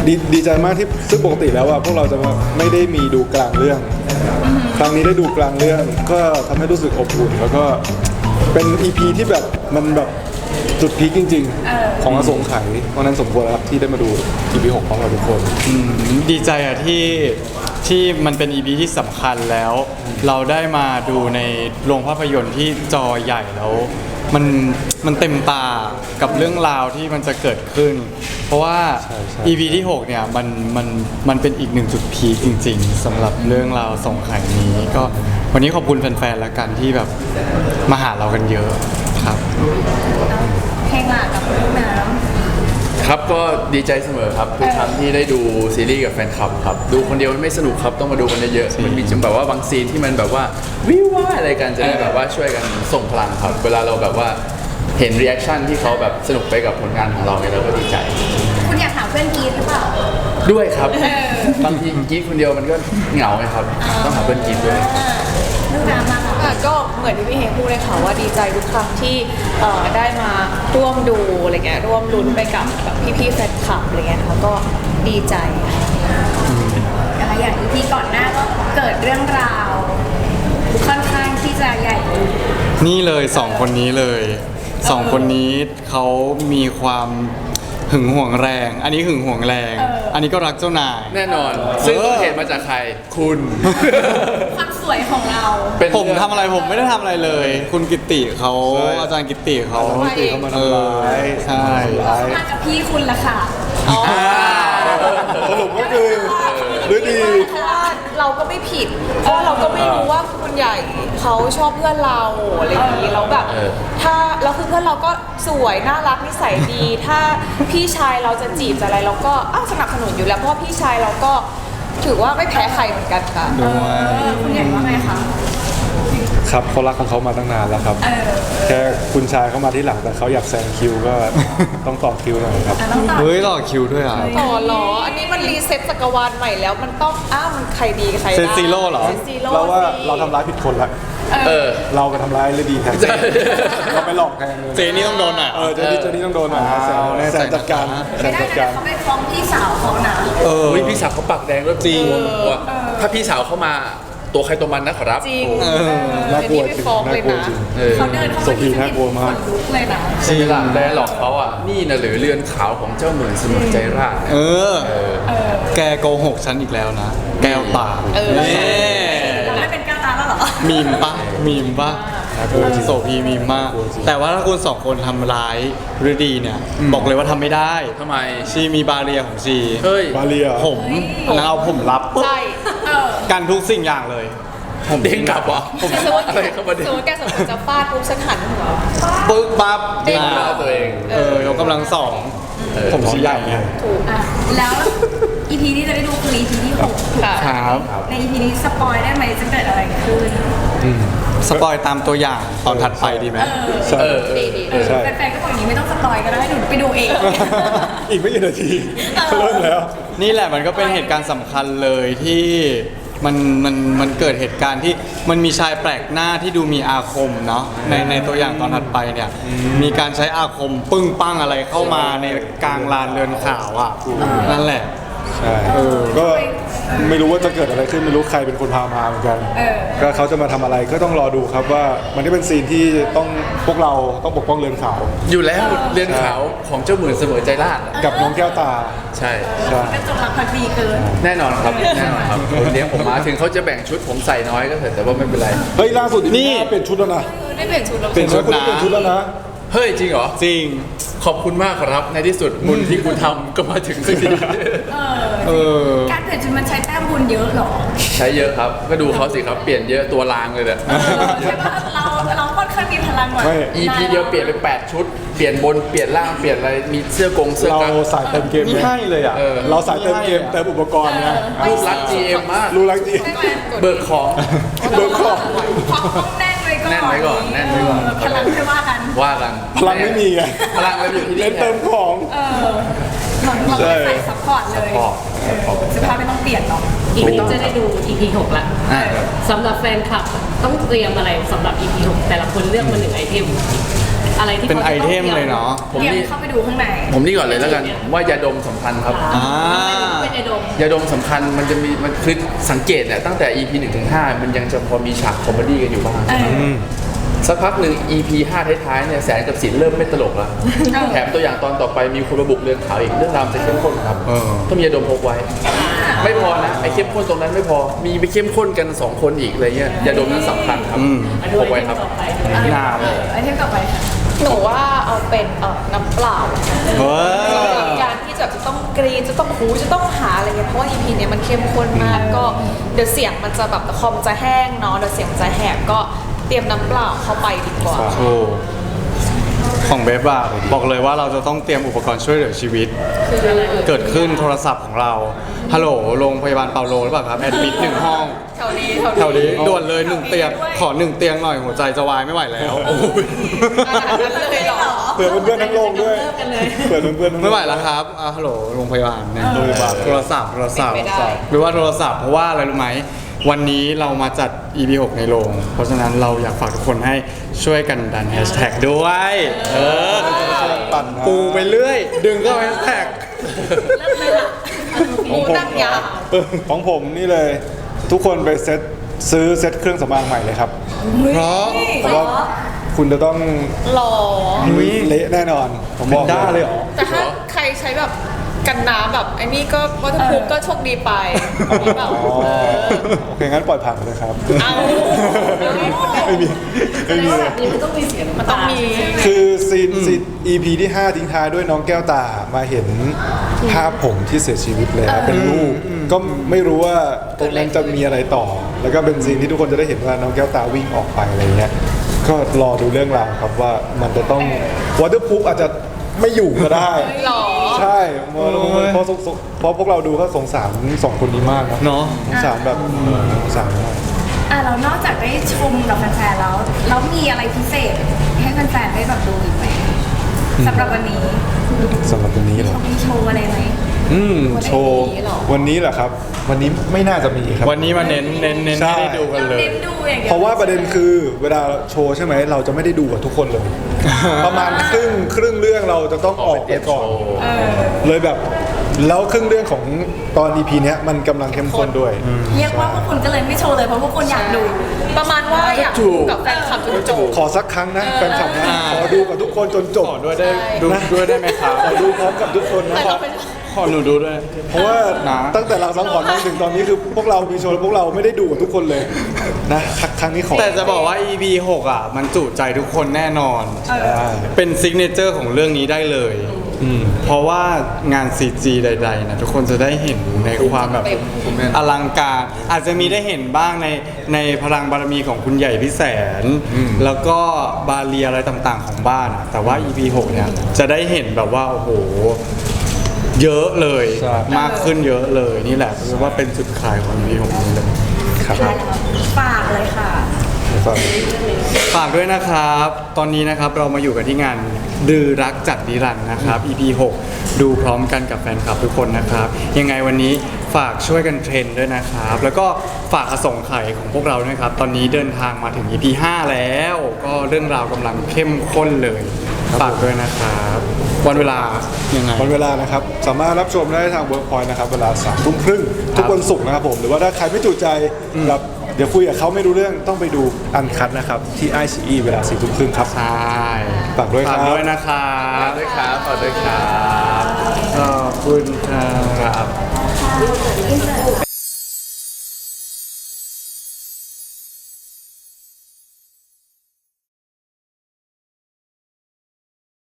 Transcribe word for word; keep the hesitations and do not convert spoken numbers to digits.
ดีดีใจมากที่ซึ่งปกติแล้วว่าพวกเราจะไม่ได้มีดูกลางเรื่องครั้งนี้ได้ดูกลางเรื่องก็ทำให้รู้สึกอบอุ่นแล้วก็เป็น อี พี ที่แบบมันแบบจุดพีคจริงๆของอสงไขยเพราะนั้นสมควรแล้วครับที่ได้มาดู อี พี หกของเราทุกคนดีใจอะที่ที่มันเป็น อี พี ที่สำคัญแล้ว เราได้มาดูในโรงภาพยนตร์ที่จอใหญ่แล้วมันมันเต็มตากับเรื่องราวที่มันจะเกิดขึ้น เพราะว่า อี พี ที่หกเนี่ยมันมันมันเป็นอีกหนึ่งจุดพีคจริงๆสำหรับเรื่องราวสงไขยนี้ก็วันนี้ขอบคุณแฟนๆแล้วกันที่แบบมาหาเรากันเยอะครับเพลงหลักกับลูกน้ำครับก็ดีใจเสมอครับทุกครั้งที่ได้ดูซีรีส์กับแฟนคลับครับดูคนเดียวมันไม่สนุกครับต้องมาดูกันเยอะๆมันมีจังแบบว่าบางซีนที่มันแบบว่าวิวว่าอะไรกันจะได้แบบว่าช่วยกันส่งพลังครับเวลาเราแบบว่าเห็นรีแอคชั่นที่เขาแบบสนุกไปกับผลงานของเราเนี่ยเราก็ดีใจคุณอยากถามเพื่อนกีดหรือเปล่าด้วยครับบางทีกีดคนเดียวมันก็เหงาไหมครับต้องหาเพื่อนกีดด้วยลูกน้ำมาค่ะก็เหมือนที่พี่เฮงพูดเลยค่ะว่าดีใจทุกครั้งที่ได้มาร่วมดูอะไรเงี้ยร่วมลุ้นไปกับแบบพี่ๆแฟนคลับอะไรเงี้ยค่ะก็ดีใจอะไรอย่างอีพีก่อนหน้าก็เกิดเรื่องราวค่อนข้างที่จะใหญ่นี่เลยสองคนนี้เลยสองคนนี้เขามีความหึงหวงแรง อันนี้หึงหวงแรง อันนี้ก็รักเจ้านายแน่นอนซึ่งต้นเหตุมาจากใครคุณความสวยของเราผมทำอะไรผมไม่ได้ทำอะไรเลย คุณกิตติเขาอาจารย์กิตติเขากิตติเขามาทำร้ายใช่เขามากับพี่คุณละค่ะสรุปก็คือด้วยดีเพราะว่าเราก็ไม่ผิดเพราะเราก็ไม่รู้ว่าคุณใหญ่เขาชอบเพื่อนเราอะไรอย่างนี้แล้วแบบถ้าเราคือเพื่อนเราก็สวยน่ารักนิสัยดีถ้าพี่ชายเราจะจีบจะอะไรเราก็อ้าวสนับสนุนอยู่แล้วเพราะพี่ชายเราก็ถือว่าไม่แพ้ใครเหมือนกันค่ะคุณใหญ่ว่าไงคะครับเขารักของเขามาตั้งนานแล้วครับแค่คุณชายเข้ามาที่หลังแต่เขาอยากแซงคิวก็ต้องต่อคิวหน่อยครับเฮ้ยต่อคิวด้วยอ่ะต่อหรออันนี้มันรีเซ็ตจักรวาลใหม่แล้วมันต้องอ้าวมันใครดีใครได้เซนซีโร่เหรอเราว่าเราทำร้ายผิดคนละเออเราไปทำร้ายเลยดีแทนเราไปหลอกแทนเจนี่ต้องโดนอ่ะเออเจนี่เจนี่ต้องโดนอ่ะแซงจัดการแซงจัดการเขาไปฟ้องพี่สาวเขานะเออพี่สาวเขาปากแดงแล้วจริงถ้าพี่สาวเข้ามาตัวใครตัวมันนะครับจริงน่ากลัวจริงน่ากลัวจริงเขาเดินเข้ามาที่น่ากลัวมากเลยนะจริงล่ะแต่หลอกเขาอ่ะนี่นะหรือเรือนขาวของเจ้าเหมือนสมุนใจราเออแกโกหกฉันอีกแล้วนะแก้วตาเออไม่เป็นแก้วตาแล้วเหรอมีมปะมีมปะโสพีมีมากแต่ว่าถ้าคุณสองคนทำร้ายฤดีเนี่ยบอกเลยว่าทำไม่ได้ทำไมชีมีบาเรียของชีเฮ้ยบาเรียผมแล้วเอาผมรับใช่กันทุกสิ่งอย่างเลยผมเด้งกลับวะผมอะไรเข้ามาเด้งสมมติแกสมมติจะฟาดปุ๊บฉันหันหัวปึ๊กปั๊บเด้งหน้าตัวเองเออยกกำลังสองผมชี้ใหญ่ไงถูกอ่ะแล้ว อี พี ที่จะได้ดูคือ อี พี ที่หกครับใน อี พี นี้สปอยได้ไหมจะเกิดอะไรขึ้นสปอยตามตัวอย่างตอนถัดไปดีไหมเออดีดีแฟนๆก็บอกอย่างนี้ไม่ต้องสปอยก็ได้หนูไปดูเองอีกไม่กี่นาทีเริ่มแล้วนี่แหละมันก็เป็นเหตุการณ์สำคัญเลยที่มันมันมันเกิดเหตุการณ์ที่มันมีชายแปลกหน้าที่ดูมีอาคมเนาะในในตัวอย่างตอนถัดไปเนี่ยมีการใช้อาคมปึ้งปั้งอะไรเข้ามาในกลางลานเรือนขาวอ่ะนั่นแหละใช่ก็ไม่รู้ว่าจะเกิดอะไรขึ้นไม่รู้ใครเป็นคนพามาเหมือนกันก็เขาจะมาทำอะไรก็ต้องรอดูครับว่ามันได้เป็นซีนที่ต้องพวกเราต้องปกป้องเรือนขาวอยู่แล้วเรือนขาวของเจ้าหมื่นเสมอใจราชกับน้องแก้วตาใช่ใช่ก็จงรักภักดีเกินแน่นอนครับแน่นอนครับคนเลี้ยงผมมาถึงเขาจะแบ่งชุดผมใส่น้อยก็เถอะแต่ว่าไม่เป็นไรเฮ้ยล่าสุดนี่เปลี่ยนชุดแล้วนะได้เปลี่ยนชุดแล้วเปลี่ยนชุดนะเปลี่ยนชุดแล้วนะเฮ้ยจริงเหรอจริงขอบคุณมากครับในที่สุดบุญที่คุณทำก็มาถึงสักทีการเปลี่ยนชุดมันใช้แต้มบุญเยอะหรอใช้เยอะครับก็ดูเขาสิครับเปลี่ยนเยอะตัวลางเลยเนี่ยใช่ป่ะเราเราค่อนข้างมีพลังกว่าอี พี เดียวเปลี่ยนไปแปดชุดเปลี่ยนบนเปลี่ยนล่างเปลี่ยนอะไรมีเสื้อกงเสื้อกั๊กเราสายเติมเกมไม่ให้เลยอ่ะเราสายเติมเกมเติมอุปกรณ์ไงลูกรัก จี เอ็ม มากลูกรัก จี เอ็มเบิกของเบิกของแน่นไว้ก่อนแน่นไว้ก่อนแน่นไว้ก่อนพลังไม่ว่ากันว่ากันพลังไม่มีไงพลังเราอยู่ที่เล่นเติมของเออเราใส่ซัพพอร์ตเลยเสื้อผ้าไม่ต้องเปลี่ยนเนาะอีพีจะได้ดู อี พี หกละสำหรับแฟนคลับต้องเตรียมอะไรสำหรับ อี พี หกแต่ละคนเลือกมาหนึ่งไอเทมอะไรที่เป็นขาไอจะต้งเทมเลยเนาะผมเตรียมนี่เข้าไปดูข้างในผมนี่ก่อนเลยแล้วกันว่ายาดมสำคัญครับอ่าเป็นไอดมยาดมสำคัญมันจะมีมันคือสังเกตเนี่ยตั้งแต่ อี พี หนึ่งถึงห้ามันยังจะพอมีฉากคอมเมดี้กันอยู่บ้างเออสักพักหนึ่ง อี พี ห้าท้ายๆเนี่ยแสนกับสินเริ่มไม่ตลกแล้ว แถมตัวอย่างตอนต่อไปมีคนมาบุกเรือนขาวอีกเรื่องราวจะเข้มข้นครับเออต้องมียาดมพกไว้ ไม่พอนะไอ้เข้มข้นตรงนั้นไม่พอมีไปเข้มข้นกันสองคนอีกอะไรเงี้ยยาดมนั้นสำคัญครับอืมอันนี้พกไว้ครับต่อไปงามไอเทมต่อไปค่ะหนูว่าเอาเป็นเอ่อน้ำเปล่าเฮ้ยการที่จะจะต้องกรีนจะต้องหูจะต้องหาอะไรเงี้ยเพราะว่า อี พี เนี้ยมันเข้มข้นมากก็เดี๋ยวเสียงมันจะแบบคอมจะแห้งเนาะเดี๋ยวเสียงมันจะแหบก็เตรียมน้ำเปล่าเข้าไปดีกว่าโอ้ของเบฟอะบอกเลยว่าเราจะต้องเตรียมอุปกรณ์ช่วยเหลือชีวิตคืออะไรเอ่ยเกิดขึ้นโทรศัพท์ของเรา ฮัลโหล โรงพยาบาลเปาโลหรือเปล่าครับ แอดมิดหนึ่งห้องแถวนี้แถวนี้ด่วนเลยหนึ่งเตียง ขอหนึ่งเตียงหน่อย หัวใจจะวายไม่ไหวแล้วขนาดนั้นเลยเหรอเผื่อเพื่อนๆทั้งโรงด้วยเผื่อเพื่อนๆทั้งโรงไม่ไหวแล้วครับอ่าฮัลโหล โรงพยาบาลเนี่ยโรงพยาบาลโทรศัพท์ โทรศัพท์เป็นไปได้หรือว่าโทรศัพท์ เพราะว่าอะไรรู้ไหม วันนี้เรามาจัด อี พี หกในโรง เพราะฉะนั้นเราอยากฝากทุกคนให้ช่วยกันดันแฮชแท็กด้วย เออปั่นนะปูไปเรื่อย ดึงก็แฮชแท็กหูนั่งยาวของผมนี่เลย ทุกคนไปเซ็ตซื้อเซ็ตเครื่องสำอางใหม่เลยครับเพราะเพราะว่าคุณจะต้องหล่อเละแน่นอน ผมบอกเป็นด้าเลยเหรอแต่ถ้าใครใช้แบบกันน้ำแบบไอ้นี่ก็วัตถุภูมิก็โชคดีไปแบบอ๋อเออโอเคงั้นปล่อยผ่านเลยครับเอาไม่มีไม่มีเลยนี่มันต้องมีเสียงมันต้องมีคือซีนซีน อี พี ที่ ห้า ทิ้งท้ายด้วยน้องแก้วตามาเห็นภาพผมที่เสียชีวิตแล้วเป็นรูปก็ไม่รู้ว่าตรงนั้นจะมีอะไรต่อ แล้วก็เป็นซีนที่ทุกคนจะได้เห็นว่าน้องแก้วตาวิ่งออกไปอะไรเงี้ยก็รอดูเรื่องราวครับว่ามันจะต้องวอเตอร์พูฟอาจจะไม่อยู่ก็ได้หรอใช่เพราะเพราะเพราะพวกเราดูก็สงสารสองคนนี้มากนะเนาะสงสารแบบสงสารมากอ่ะเรานอกจากได้ชมกับแฟนๆแล้วแล้วมีอะไรพิเศษให้แฟนๆได้แบบดูอีกไหมสำหรับวันนี้สำหรับวันนี้เหรอเขามีโชว์อะไรไหมอืมโชว์วันนี้เหรอวันนี้เหรอครับ วันนี้ไม่น่าจะมีครับวันนี้มาเน้นเน้นเน้นใช่ให้ได้ดูกันเลยเน้นดูอย่างเดียวเพราะว่าประเด็นคือเวลาโชว์ใช่ไหมเราจะไม่ได้ดูกับทุกคนเลย ประมาณครึ่งครึ่งเรื่องเราจะต้องออกไปก่อนเออเลยแบบแล้วครึ่งเรื่องของตอน อี พี เนี้ยมันกำลังเข้มข้นด้วยเรียกว่าพวกคุณก็เลยไม่โชว์เลยเพราะพวกคุณอยากดูประมาณว่าอยากดูกับแฟนคลับจนจบขอสักครั้งนะแฟนคลับนะอ่าขอดูกับทุกคนจนจบขอด้วยได้ใช่ดูด้วยได้ไหมครับขอดูพร้อมกับทุกคนนะแต่ครัเราบเป็นขอหนูดูด้วยเพราะว่านะตั้งแต่เราสังขรณ์มาถึงตอนนี้คือพวกเรามีโชว์แล้วพวกเราไม่ได้ดูกับทุกคนเลยนะครั้งครั้งนี้ขอแต่จะบอกว่า อี พี หกอ่ะ มันจุใจทุกคนแน่นอนได้เป็นซิกเนเจอร์ของเรื่องนี้ได้เลย เพราะว่างาน ซี จี ใดๆนะทุกคนจะได้เห็นในความแบบอลังการ อาจจะมีได้เห็นบ้างในในพลังบารมีของคุณใหญ่พี่แสน แล้วก็บาเรียอะไรต่างๆของบ้านอะแต่ว่า อี พี หกเนี่ยจะได้เห็นแบบว่า โอ้โห เยอะเลยใช่มากขึ้นเยอะเลยนี่แหละคือว่าเป็นจุดขายของ อี พี หกนี้เลยครับฝากเลยค่ะฝากฝากด้วยนะครับ ตอนนี้นะครับเรามาอยู่กันที่งานดือรักจากนิรันดร์นะครับ อี พี หก ดูพร้อมกันกับแฟนคลับทุกคนนะครับ ยังไงวันนี้ฝากช่วยกันเทรนด้วยนะครับ แล้วก็ฝากอสงไขยของพวกเราด้วยครับ ตอนนี้เดินทางมาถึง อี พี ห้า แล้ว ก็เรื่องราวกำลังเข้มข้นเลย ฝากด้วยนะครับ วันเวลายังไงวันเวลานะครับ สามารถรับชมได้ทางเวิร์กพอยต์นะครับ เวลาสามทุ่มครึ่งทุกวันศุกร์นะครับผม หรือว่าถ้าใครไม่จุใจแบบเดี๋ยวคุยกับเขาไม่รู้เรื่องต้องไปดูอันคัดนะครับ ที่ไอซีอีเวลาสี่ทุ่มครึ่งครับใช่ฝากด้วยครับฝากด้วยนะครับฝากด้วยครับฝากด้วยครับขอบคุณครับอินเสิร์ต